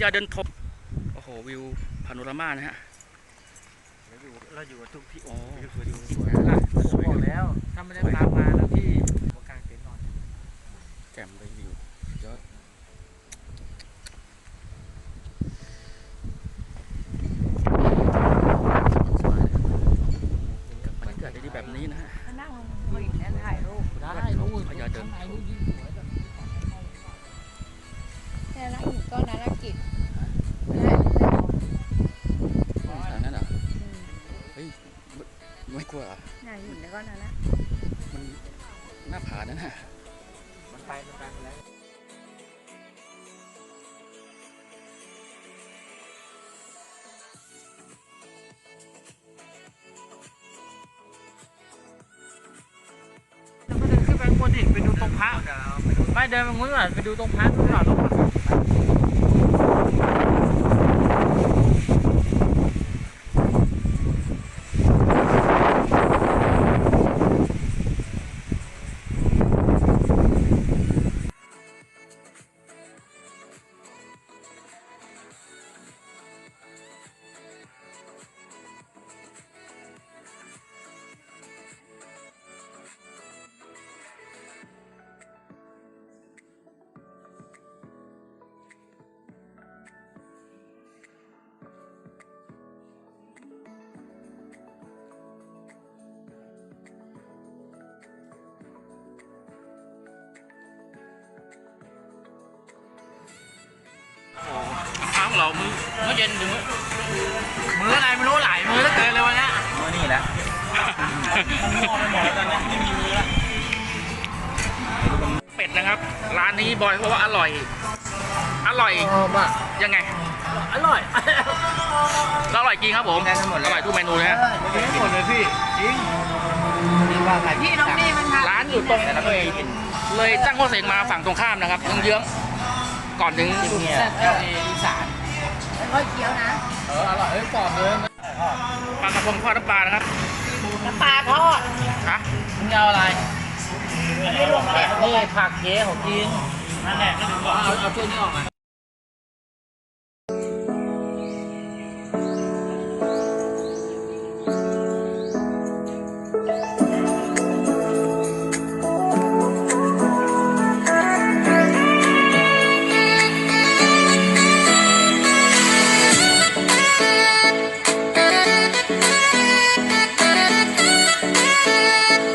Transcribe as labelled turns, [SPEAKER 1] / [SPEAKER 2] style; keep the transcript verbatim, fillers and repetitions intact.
[SPEAKER 1] ญาเดินทบโอ้โหวิวพาโนรามานะฮะ
[SPEAKER 2] เราอยู่ทุกที่โอ้
[SPEAKER 1] วิว
[SPEAKER 2] สวยดูสวยละบอกแล้วถ้าไม่ได้ตามมาแล้วพี่กลางเต็นท์นอน
[SPEAKER 1] แจ่มเลยวิวยอดบรรยากาศดีๆแบบนี้นะฮะ
[SPEAKER 3] นั่งมืออีกแล้วถ่ายรูป
[SPEAKER 2] ได้รูป
[SPEAKER 1] พญาเดินทบ
[SPEAKER 3] แต่ละหินก้อนนั้นละกิจ
[SPEAKER 1] ทางนั้นเหรอเฮ้ยไม่กลัวเหรอ
[SPEAKER 3] น่าหินแล้วก้อนนั้นละ
[SPEAKER 1] มันหน้าผานั่นฮะ
[SPEAKER 2] มันไปมันไปแล้วขึ้นไปบนดิไปดูตรงพระไม่เดินไปงุ้นก่อนไปดูตรงพระนู่นก่อน
[SPEAKER 1] ข้าวของเรามื้อมื้อเย็นถึงมื้อ
[SPEAKER 2] มืออะไรไม่รู้หลายมือแล้วเกินเลยวันนี้
[SPEAKER 1] มื้อนี่แหละ
[SPEAKER 2] มันงอไปหมดแล้วตอนนี้ไม่มีมือแล้ว
[SPEAKER 1] เป็ดนะครับร้านนี้บอยเพราะว่าอร่อยอร่อยยังไง
[SPEAKER 2] อร่อย
[SPEAKER 1] อร่อยจริงครับผมอร่อยทุกเมนูเลยฮะ
[SPEAKER 2] หมดเลยพี่จริง
[SPEAKER 3] พี่น้องนี่มันทำ
[SPEAKER 1] ร้านอยู่ตรงเลยเลยตั้งโคเสงมาฝั่งตรงข้ามนะครับเยื้องๆก่อนถึง
[SPEAKER 2] เนี่ยอีสาน
[SPEAKER 3] ค่อยเคี้ยวนะ
[SPEAKER 2] เอออร่อยเอ้ยกรอบเลย
[SPEAKER 1] ปลากระพงทอดน้ำปลานะครับ
[SPEAKER 3] น้ำปลาทอด
[SPEAKER 1] ฮะ
[SPEAKER 2] มึงเอาอะไร
[SPEAKER 3] อันนี้รวมแกะ
[SPEAKER 2] นี่ผักเจ๊ของกินนั่นแหละก็ถึงบอกเอาเอาช่วยนี้ออกมา